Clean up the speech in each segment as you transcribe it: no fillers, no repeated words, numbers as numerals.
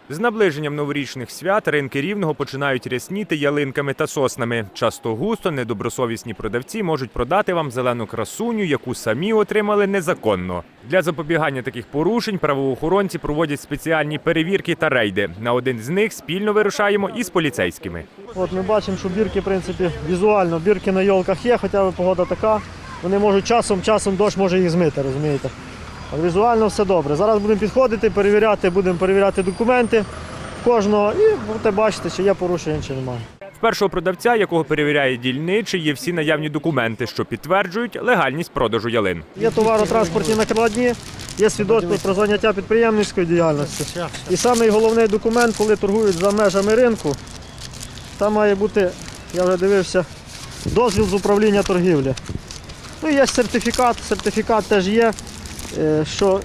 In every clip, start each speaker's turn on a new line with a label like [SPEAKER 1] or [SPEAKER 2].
[SPEAKER 1] З наближенням новорічних свят ринки Рівного починають рясніти ялинками та соснами. Часто густо недобросовісні продавці можуть продати вам зелену красуню, яку самі отримали незаконно. Для запобігання таких порушень правоохоронці проводять спеціальні перевірки та рейди. На один з них спільно вирушаємо із поліцейськими.
[SPEAKER 2] От ми бачимо, що бірки, в принципі, візуально, бірки на йолках є, хоча б погода така. Вони можуть часом дощ може їх змити, розумієте. А візуально все добре. Зараз будемо підходити, будемо перевіряти документи кожного і будете бачити, чи є порушення, чи немає.
[SPEAKER 1] В першого продавця, якого перевіряє дільничий, є всі наявні документи, що підтверджують легальність продажу ялин.
[SPEAKER 2] Є товаротранспортні накладні, є свідоцтво про заняття підприємницької діяльності. І самий головний документ, коли торгують за межами ринку, там має бути, я вже дивився, дозвіл з управління торгівлі. Ну, є сертифікат теж є, що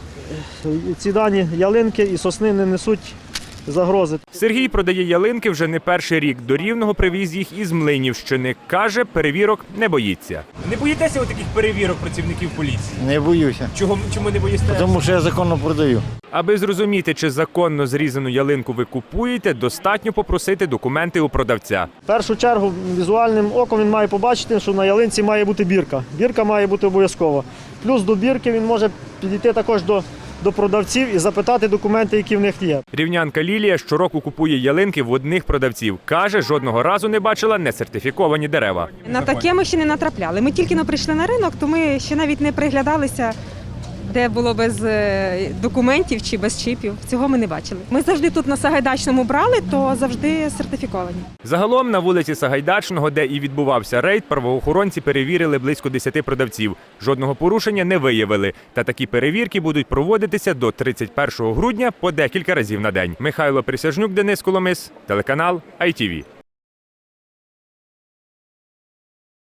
[SPEAKER 2] ці дані ялинки і сосни не несуть загрози.
[SPEAKER 1] Сергій продає ялинки вже не перший рік. До Рівного привіз їх із Млинівщини. Каже, перевірок не боїться. Не боїтеся таких перевірок працівників поліції?
[SPEAKER 3] Не боюся,
[SPEAKER 1] Чому не боїтеся?
[SPEAKER 3] тому що я законно продаю.
[SPEAKER 1] Аби зрозуміти, чи законно зрізану ялинку ви купуєте, достатньо попросити документи у продавця.
[SPEAKER 2] В першу чергу візуальним оком він має побачити, що на ялинці має бути бірка. Бірка має бути обов'язково. Плюс до бірки він може підійти також до продавців і запитати документи, які в них є.
[SPEAKER 1] Рівнянка Лілія щороку купує ялинки в одних продавців. Каже, жодного разу не бачила несертифіковані дерева.
[SPEAKER 4] На таке ми ще не натрапляли. Ми тільки прийшли на ринок, то ми ще навіть не приглядалися, де було без документів чи без чіпів. Цього ми не бачили. Ми завжди тут на Сагайдачному брали, то завжди сертифіковані.
[SPEAKER 1] Загалом на вулиці Сагайдачного, де і відбувався рейд, правоохоронці перевірили близько 10 продавців. Жодного порушення не виявили. Та такі перевірки будуть проводитися до 31 грудня по декілька разів на день. Михайло Присяжнюк, Денис Коломис, телеканал ITV.